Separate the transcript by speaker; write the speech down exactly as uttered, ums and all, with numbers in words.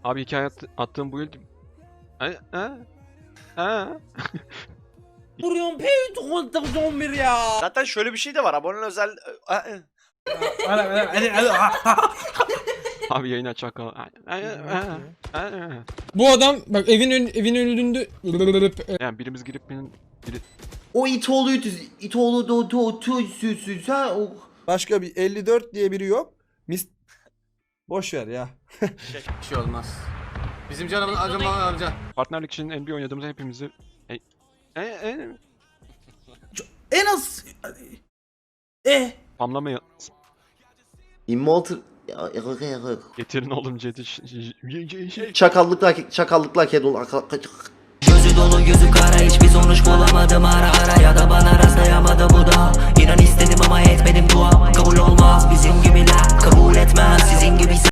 Speaker 1: Abi hikaye at, attığım bu yıl... Ha? Ha? Ha?
Speaker 2: Vuruyorum peyt kontak on bir ya.
Speaker 3: Zaten şöyle bir şey de var. Aboneler özel...
Speaker 1: Abi yayına çakal.
Speaker 4: Bu adam bak evin ön, evin önünde
Speaker 1: Yani birimiz girip birinin... Biri...
Speaker 5: O it oğluydu. İt oğlu da to to süsüz ha. O
Speaker 2: Başka bir elli dört diye biri yok. Mis... Boş ver ya.
Speaker 6: Bir şey olmaz. Bizim canımız acıma amca.
Speaker 1: Partnerlik için N B A oynadığımızda hepimizi... E, e, e,
Speaker 2: En az... Eh.
Speaker 1: spamlamaya...
Speaker 5: immortal ya, ya, ya, ya.
Speaker 1: Getirin oğlum Jet'i...
Speaker 5: Çakallıkla çakallıkla kedol.
Speaker 7: Gözü dolu gözü kara hiçbir sonuç bulamadım ara ara ya da bana rastlayamadı bu da İnan istedim ama etmedim dua kabul olmaz bizim gibiler kabul etmez sizin gibi